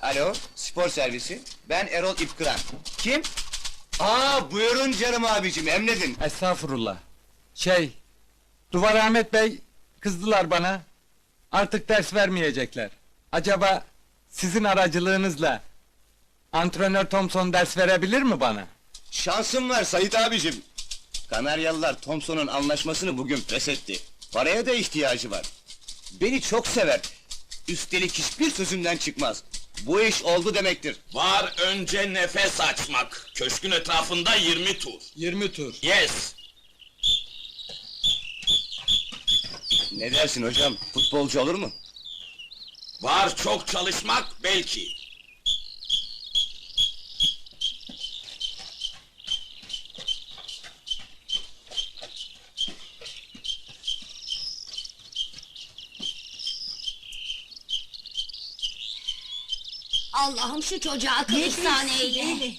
Alo, spor servisi. Ben Erol İpkıran. Kim? Buyurun canım abicim, emredin. Estağfurullah. Duvar Ahmet Bey kızdılar bana. Artık ders vermeyecekler. Acaba sizin aracılığınızla antrenör Thompson ders verebilir mi bana? Şansım var Sait abicim. Kanaryalılar Thompson'un anlaşmasını bugün feshetti. Paraya da ihtiyacı var. Beni çok sever. Üstelik hiçbir sözümden çıkmaz. Bu iş oldu demektir. Var önce nefes açmak. Köşkün etrafında 20 tur. 20 tur. Yes. Ne dersin hocam, futbolcu olur mu? Var çok çalışmak belki. Allah'ım şu çocuğa akıl ihsan eyle.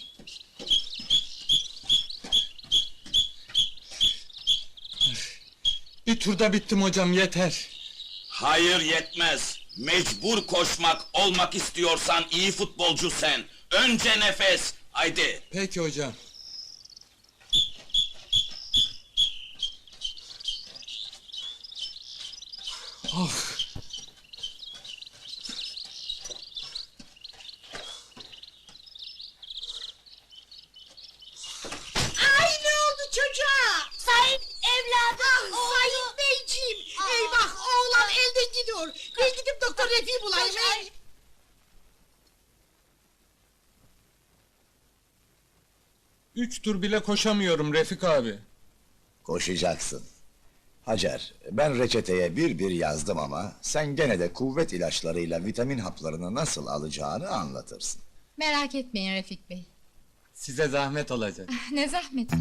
Bir turda bittim hocam, yeter. Hayır yetmez. Mecbur koşmak olmak istiyorsan iyi futbolcu sen. Önce nefes. Haydi. Peki hocam. Ay ne oldu çocuğa? Sait evladım, Sayın Beyciğim! Eyvah oğlan elden gidiyor. Ben gidip doktor Refik'i bulayım. Üç tur bile koşamıyorum Refik abi. Koşacaksın. Hacer, ben reçeteye bir yazdım ama sen gene de kuvvet ilaçlarıyla vitamin haplarını nasıl alacağını anlatırsın. Merak etmeyin Refik Bey. Size zahmet olacak. Ne zahmeti.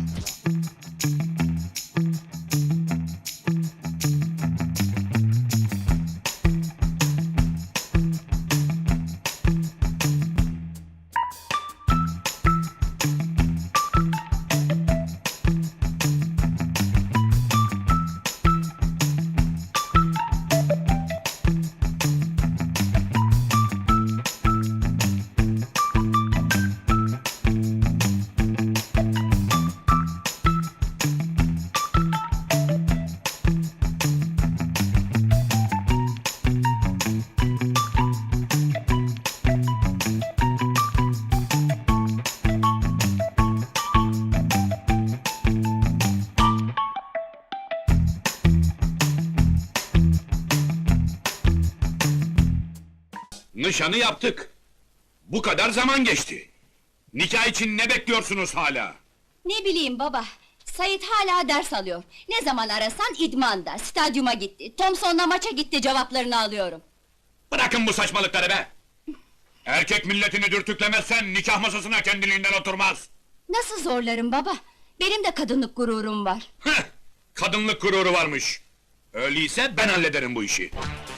Nişanı yaptık. Bu kadar zaman geçti. Nikah için ne bekliyorsunuz hala? Ne bileyim baba, Sait hala ders alıyor. Ne zaman arasan idmanda, stadyuma gitti, Thompson'la maça gitti cevaplarını alıyorum. Bırakın bu saçmalıkları be! Erkek milletini dürtüklemezsen nikah masasına kendiliğinden oturmaz. Nasıl zorlarım baba? Benim de kadınlık gururum var. Heh! Kadınlık gururu varmış. Öyleyse ben hallederim bu işi.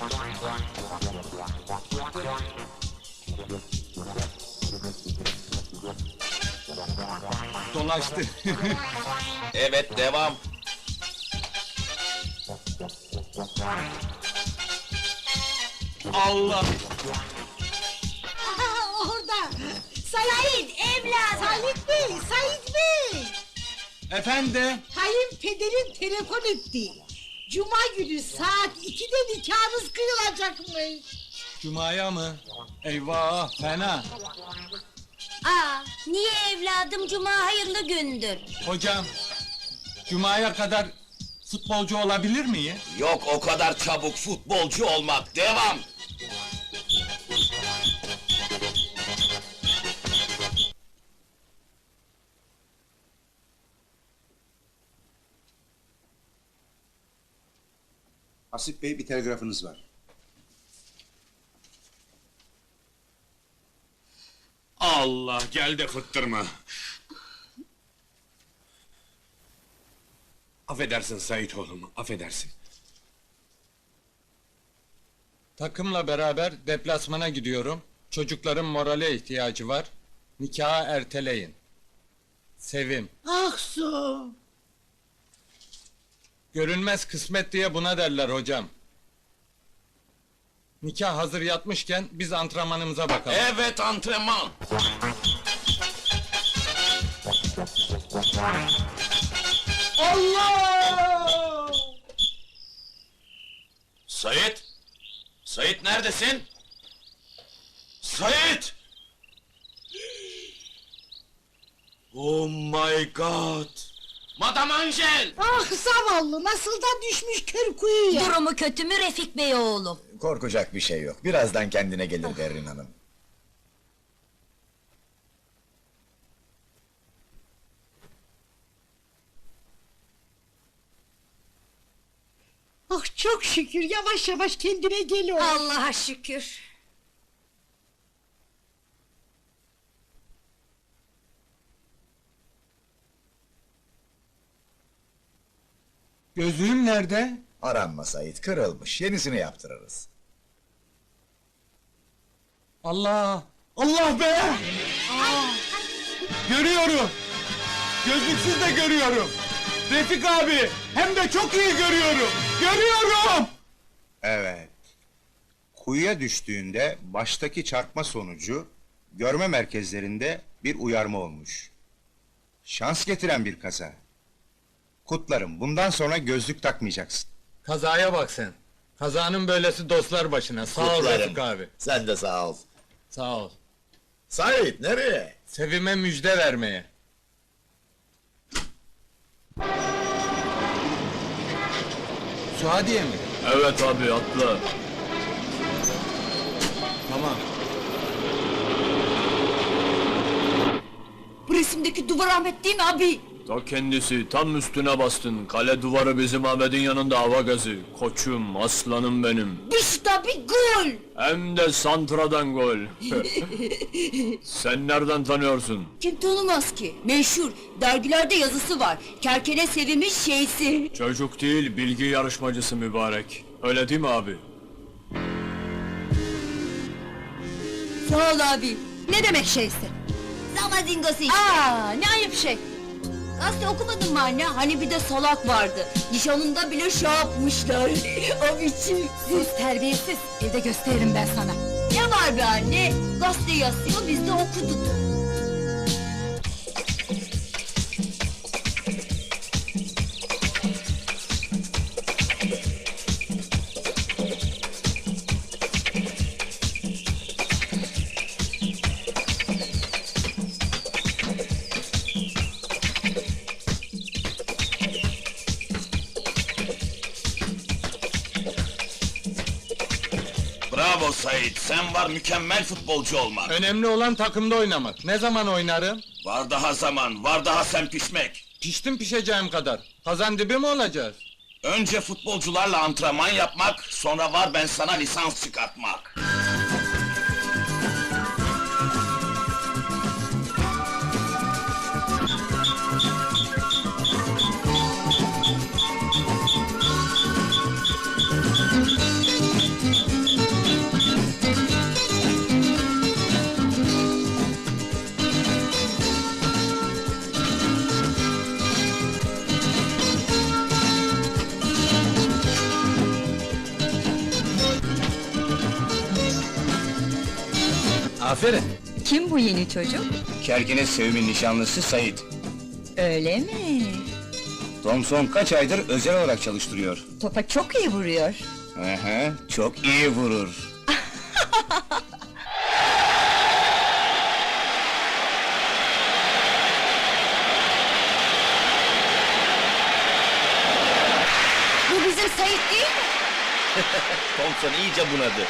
Dolaştı. Evet devam. Allah! Aha orada! Sait evladım! Sait Bey, Sait Bey! Efendim? Kayınpederin telefon etti. Cuma günü saat 2'de nikahınız kıyılacakmış. Cuma'ya mı? Eyvah, fena! Niye evladım, cuma hayırlı gündür. Hocam, Cuma'ya kadar futbolcu olabilir miyim? Yok o kadar çabuk futbolcu olmak. Devam. Hasip Bey, bir telgrafınız var. Allah, gel de fıttırma! Affedersin Sait oğlum, affedersin. Takımla beraber deplasmana gidiyorum. Çocukların morale ihtiyacı var. Nikahı erteleyin. Sevim. Aksu! Görünmez kısmet diye buna derler hocam. Nikah hazır yatmışken biz antrenmanımıza bakalım. Evet, antrenman. Allah! Sait! Sait neredesin? Sait! Oh my god! Madame Angel! Ah zavallı nasıl da düşmüş kör kuyuya. Durumu kötü mü Refik Bey oğlum? Korkacak bir şey yok. Birazdan kendine gelir Berrin Hanım. Ah çok şükür yavaş yavaş kendine geliyor. Allah'a şükür. Gözlüğüm nerede? Aranma Sait, kırılmış. Yenisini yaptırırız. Allah! Allah be! Görüyorum! Gözlüksüz de görüyorum! Refik abi! Hem de çok iyi görüyorum! Görüyorum! Evet. Kuyuya düştüğünde baştaki çarpma sonucu görme merkezlerinde bir uyarma olmuş. Şans getiren bir kaza. Kutlarım, bundan sonra gözlük takmayacaksın. Kazaya bak sen! Kazanın böylesi dostlar başına. Sağ ol Kutlarım. Refik abi. Sen de sağ ol. Sağ ol. Sait, nereye? Sevime müjde vermeye. Suadiye mi? Evet abi, atla. Tamam. Bu resimdeki Duvar Ahmet değil mi abi? Ta kendisi, tam üstüne bastın. Kale duvarı bizim Ahmet'in yanında hava gazı. Koçum, aslanım benim. İşte bir gol! Hem de santradan gol. Sen nereden tanıyorsun? Kim tanımaz ki? Meşhur, dergilerde yazısı var. Kerkene Sevim'in şeysi. Çocuk değil, bilgi yarışmacısı mübarek. Öyle değil mi abi? Sağ ol abi. Ne demek şeysi? Zamazingosu işte. Aa ne ayıp şey. Gazete okumadın mı anne? Hani bir de salak vardı. Nişanında bile şey yapmışlar. O biçim. Sus terbiyesiz. Evde gösteririm ben sana. Ne var be anne? Gazete yazıyor, biz de okuduk. Bravo Sait, sen var mükemmel futbolcu olmak. Önemli olan takımda oynamak. Ne zaman oynarım? Var daha zaman, var daha sen pişmek. Piştim pişeceğim kadar. Kazan dibi mi olacağız? Önce futbolcularla antrenman yapmak, sonra var ben sana lisans çıkartmak. Aferin. Kim bu yeni çocuk? Kerkene Sevim'in nişanlısı Sait. Öyle mi? Thompson kaç aydır özel olarak çalıştırıyor. Topa çok iyi vuruyor. Çok iyi vurur. Bu bizim Sait değil mi? Thompson iyice bunadı.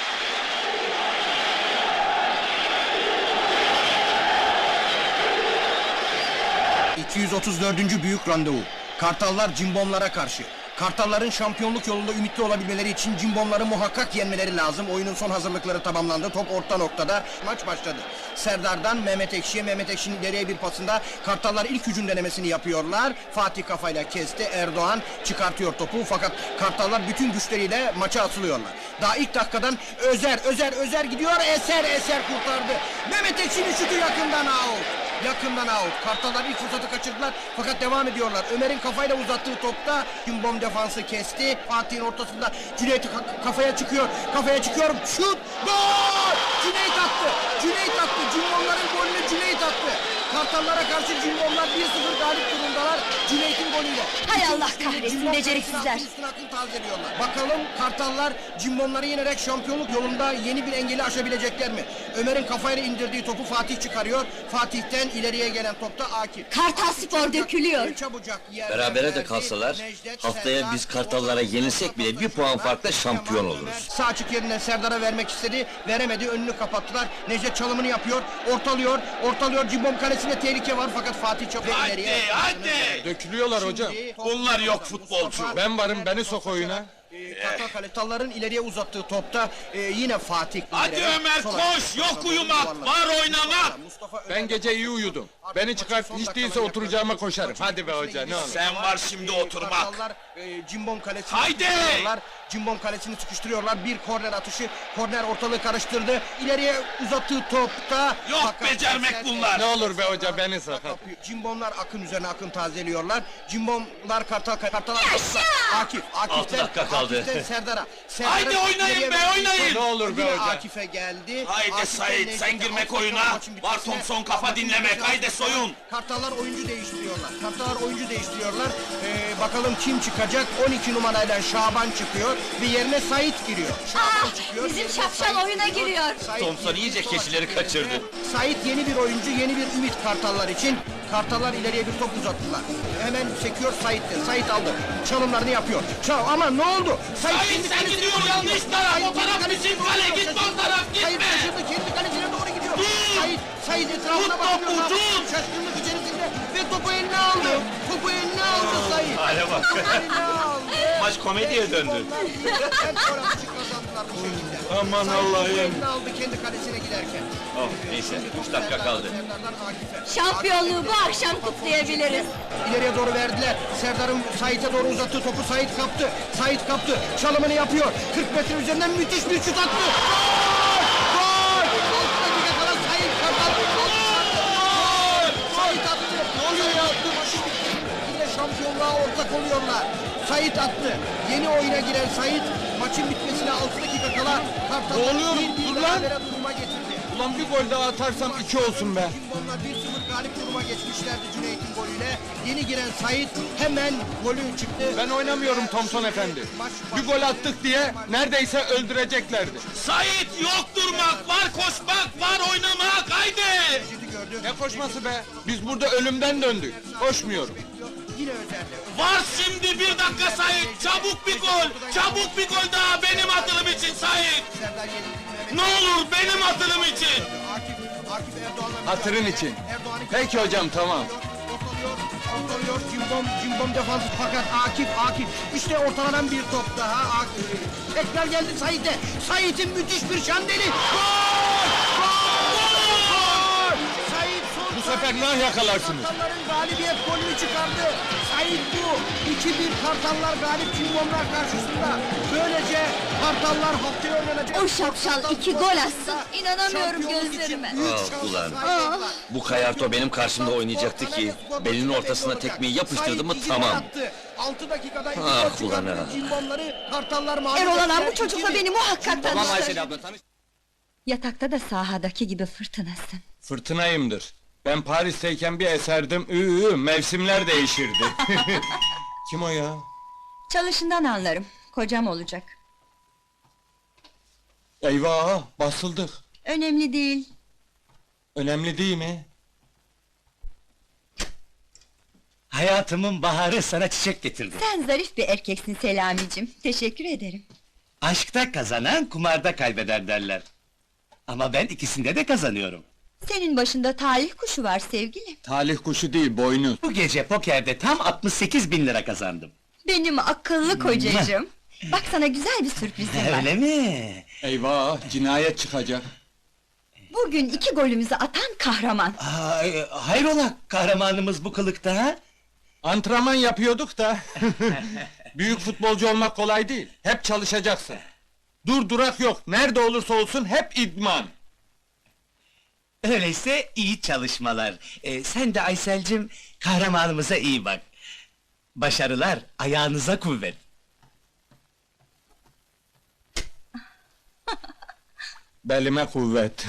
...234. büyük randevu. Kartallar Cimbomlara karşı. Kartalların şampiyonluk yolunda ümitli olabilmeleri için Cimbomları muhakkak yenmeleri lazım. Oyunun son hazırlıkları tamamlandı. Top orta noktada. Maç başladı. Serdar'dan Mehmet Ekşi'ye. Mehmet Ekşi'nin ileriye bir pasında Kartallar ilk hücum denemesini yapıyorlar. Fatih kafayla kesti. Erdoğan çıkartıyor topu. Fakat Kartallar bütün güçleriyle maça atılıyorlar. Daha ilk dakikadan Özer gidiyor. Eser kurtardı. Mehmet Ekşi'nin şutu yakından out. Yakından out. Kartallar ilk fırsatı kaçırdılar fakat devam ediyorlar. Ömer'in kafayla uzattığı topta Cimbom defansı kesti. Fatih'in ortasında Cüneyt kafaya çıkıyor. Kafaya çıkıyor. Şut! Gol! Cüneyt attı. Cüneyt attı. Cimbomların golünü Cüneyt attı. Kartallara karşı Cimbomlar 1-0 galip durumdalar. Cüneyt'in golüyle. Hay Allah Şimdi kahretsin, Cimbom beceriksizler. kalesine üstüne akın tazeliyorlar. Bakalım Kartallar Cimbomları yenerek şampiyonluk yolunda yeni bir engeli aşabilecekler mi? Ömer'in kafayla indirdiği topu Fatih çıkarıyor. Fatih'ten ileriye gelen topta Akif. Kartal Spor dökülüyor. Çabucak yerden Berabere de verdi. kalsalar, Necdet, haftaya Serdar, biz Kartallara yenilsek bile bir puan farkla şampiyon Kemal oluruz. Ömer Sağ açık yerine Serdar'a vermek istedi. Veremedi. Önünü kapattılar. Necdet çalımını yapıyor. Ortalıyor. Ortalıyor. Cimbom kalesinde tehlike var fakat Fatih çok ileriye. Hadi! Dökülüyorlar hocam. Bunlar yok futbolcu. Ben varım, beni sok oyuna. Kartalların ileriye uzattığı topta yine Fatih. Hadi indirerek Ömer sola koş, doğru yok uyumak, yuvarladı. var oynamak. Mustafa Ben Ömer- gece iyi uyudum. Beni çıkart, hiç değilse oturacağıma koşarım. Hadi be hoca, ne olur. Sen var şimdi oturmak. Kartallar Cimbom kalesini Haydi! sıkıştırıyorlar. Cimbom kalesini sıkıştırıyorlar. Bir korner atışı. Korner ortalığı karıştırdı. İleriye uzattığı topta. Yok fakat becermek Serser- bunlar. Ne olur be hoca, beni sok. Kapıyor. Cimbomlar akın üzerine akın tazeliyorlar. Cimbomlar Kartallar Akif. Altı dakika kaldı. Akif'ten Serdar'a. Haydi oynayın ileriye be, verdiği oynayın. top Ne olur be yine hoca. Akif'e geldi. Haydi Akif'ten Sait, Necdet'e sen girmek alt oyuna. maçın Var bitmesine Thompson, kafa dinlemek. Haydi soyun. Kartallar oyuncu değiştiriyorlar. Kartallar oyuncu değiştiriyorlar. Bakalım kim çıkacak? 12 numarayla Şaban çıkıyor ve yerine Sait giriyor. Şaban çıkıyor. bizim yerine şapşal Sait oyuna giriyor. Sait Thompson giriyor. iyice Sol keçileri açık yerine. kaçırdı. Sait yeni bir oyuncu, yeni bir ümit Kartallar için. Kartallar ileriye bir top uzattılar. Hemen sekiyor Sait'te. Sait aldı. Çalımlarını yapıyor. Ama ne oldu? Sait, kendi sen kalesine gidiyor, doğru yanlış gidiyor. taraf. Sait O taraf kendi bizim kalesine kale, doğru gitme o şaşırdı. taraf, Sait gitme. şaşırdı, kendi kalesine doğru gidiyor. Dur! Sait etrafına Tut bakıyor. topu, Ne yapıyor? tut! Şaşkınlık içerisinde ve topu eline aldı. Topu eline aldı Sait. Hale bak. Eline aldı. Maç komediye döndü. Hem sonra maçı kazandılar bu şekilde. Aman Sait Allah'ım. topu eline aldı kendi kalesine giderken. Oh, neyse, 3 dakika kaldı. Serdar'dan Akif'e. Şampiyonluğu bu akşam kutlayabiliriz. İleriye doğru verdiler. Serdar'ın Sait'e doğru uzattığı topu Sait kaptı. Sait kaptı. Çalımını yapıyor. 40 metre üzerinden müthiş bir şut attı. Gol! Gol! 6 dakika kala Sait kazandı. Gol! Sait attı. Ne oluyor ya? Yine şampiyonluğa ortak oluyorlar. Sait attı. Yeni oyuna giren Sait maçın bitmesine 6 dakika kala Kartal'ı Ne oluyor? bir Dur lan! berabere duruma getirdi. Ulan bir gol daha atarsam 2 olsun be. Cimbomlar 1-0 galip duruma geçmişlerdi Cüneyt'in golüyle. Yeni giren Sait hemen golü çıktı. Ben oynamıyorum Thompson efendi. Bir gol attık diye neredeyse öldüreceklerdi. Sait, yok durmak, var koşmak, var oynamak. Haydi! Ne koşması be? Biz burada ölümden döndük. Koşmuyorum. Yine özelde. Var şimdi 1 dakika Sait. Çabuk bir gol. Çabuk bir gol daha benim atılım için Sait. Serdar yenildi. Ne olur benim atılım için. Akif Erdoğan'la Hatırın için. Erdoğan'ı Peki hocam, tamam. ortalıyor. Cimbom defansı fakat Akif. İşte ortalanan bir top daha. Akif. Tekrar geldi Sait'e. Sait'in müthiş bir şandeli. Gol! Gol! Sait son Bu sefer nah yakalarsınız. Kartalların galibiyet golünü çıkardı. Sait bu. 2-1 Kartallar galip Cimbomlar karşısında. Böylece Kartallar haftaya oynanacak. O şapşal 2 gol atsın. İnanamıyorum gözlerime. Ah, ulan. Bu Kayarto benim karşımda oynayacaktı ki, belinin ortasına tekmeyi yapıştırdı mı tamam. 6 dakikada iki Ah, gol ulan çıkarttı. ha. Cimbomları Kartallar mağlup Erol Alan bu ettiler. çocukla 2-1. beni muhakkak tanıştır. abla tanış. Yatakta da sahadaki gibi fırtınasın. Fırtınayımdır. Ben Paris'teyken bir eserdim. Mevsimler değişirdi. Kim o ya? Çalışından anlarım. Kocam olacak. Eyvah, basıldık. Önemli değil. Önemli değil mi? Hayatımın baharı sana çiçek getirdi. Sen zarif bir erkeksin Selamicim. Teşekkür ederim. Aşkta kazanan kumarda kaybeder derler. Ama ben ikisinde de kazanıyorum. Senin başında talih kuşu var sevgilim. Talih kuşu değil, boynuz. Bu gece pokerde tam 68.000 lira kazandım. Benim akıllı kocacığım. Bak sana güzel bir sürprizim var. Öyle mi? Eyvah, cinayet çıkacak. Bugün 2 golümüzü atan kahraman. Hayrola kahramanımız bu kılıkta ha? Antrenman yapıyorduk da. Büyük futbolcu olmak kolay değil. Hep çalışacaksın. Dur durak yok. Nerede olursa olsun hep idman. Öyleyse iyi çalışmalar. Sen de Aysel'cim kahramanımıza iyi bak. Başarılar, ayağınıza kuvvet. Belime kuvvet.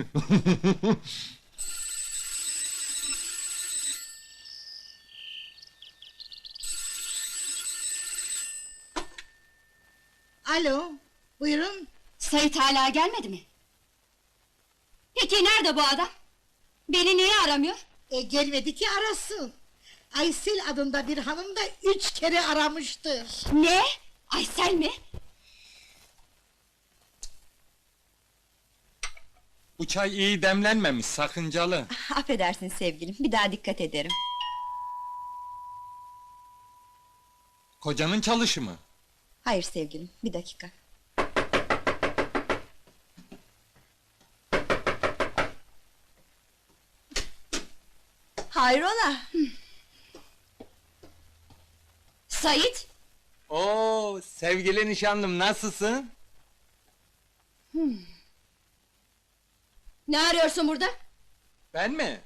Alo, buyurun. Sait hala gelmedi mi? Peki nerede bu adam? Beni niye aramıyor? Gelmedi ki arasın. Aysel adında bir hanım da 3 kere aramıştır. Ne? Aysel mi? Bu çay iyi demlenmemiş, sakıncalı. Affedersin sevgilim, bir daha dikkat ederim. Kocanın çalışı mı? Hayır sevgilim, bir dakika. Hayrola? Sait? Oo, sevgili nişanlım, nasılsın? Ne arıyorsun burada? Ben mi?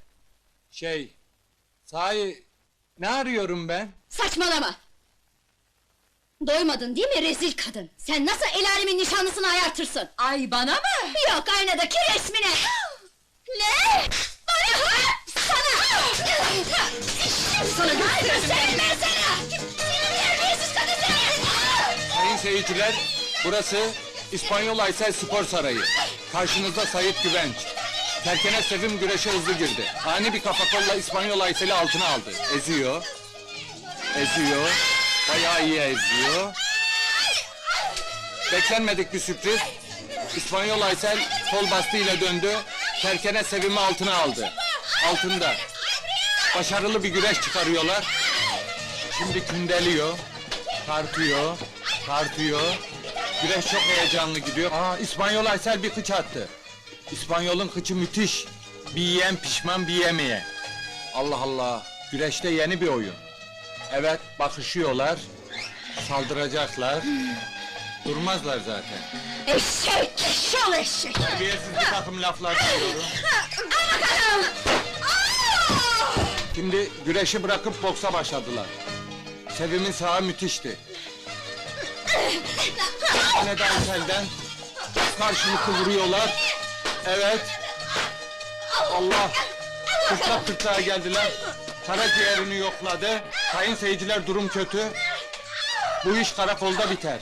Sahi, ne arıyorum ben? Saçmalama! Doymadın değil mi rezil kadın? Sen nasıl el alemin nişanlısını ayartırsın? Ay bana mı? Yok aynadaki resmine! Ne? Bana ha? Sana! Sana gösteririm ben sana! Seni terbiyesiz kadın seni! Sayın seyirciler, burası İspanyol Aysel Spor Sarayı. Karşınızda Sait Güvenç. Terkene Sevim güreşe hızlı girdi. Ani bir kafa kolla İspanyol Aysel'i altına aldı. Eziyor. Bayağı iyi eziyor. Beklenmedik bir sürpriz. İspanyol Aysel kol bastığıyla döndü. Terkene Sevim'i altına aldı. Altında. Başarılı bir güreş çıkarıyorlar. Şimdi kündeliyor. Tartıyor. Güreş çok heyecanlı gidiyor. İspanyol Aysel bir kıç attı. İspanyol'un kıçı müthiş. Bir yiyen pişman, bir yemeye. Allah Allah, güreşte yeni bir oyun. Evet, bakışıyorlar. Saldıracaklar. Durmazlar zaten. Eşek! Şal eşek! Terbiyesiz bir takım laflar duyuyorum. Şimdi güreşi bırakıp boksa başladılar. Sevim'in sağı müthişti. Yine de Aysel'den karşılıklı vuruyorlar. Evet. Allah! Kırklığa geldiler. Karaciğerini yokladı. Sayın seyirciler, durum kötü. Bu iş karakolda biter.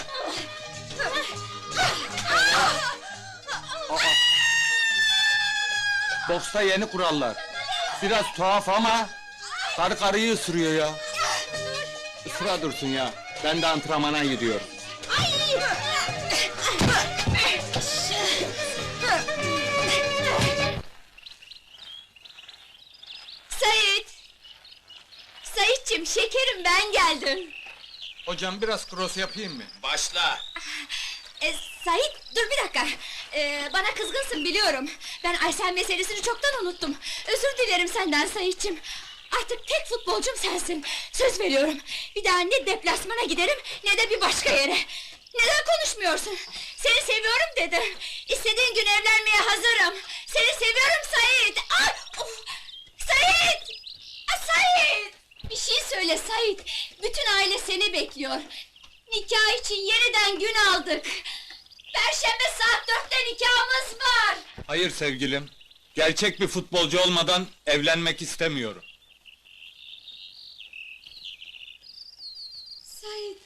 Boksta yeni kurallar. Biraz tuhaf ama karı karıyı ısırıyor ya. Isıra dursun ya. Ben de antrenmana gidiyorum. Sait! Saitçim, şekerim ben geldim. Hocam biraz cross yapayım mı? Başla. Sait, dur bir dakika. Bana kızgınsın biliyorum. Ben Aysel meselesini çoktan unuttum. Özür dilerim senden Saitçim. Artık tek futbolcum sensin. Söz veriyorum. Bir daha ne deplasmana giderim ne de bir başka yere. Neden konuşmuyorsun? Seni seviyorum dedim. İstediğin gün evlenmeye hazırım. Seni seviyorum Sait. Ay, of! Sait! Sait! Bir şey söyle Sait. Bütün aile seni bekliyor. Nikah için yeniden gün aldık. Perşembe saat 4'te nikahımız var. Hayır sevgilim. Gerçek bir futbolcu olmadan evlenmek istemiyorum. Sait.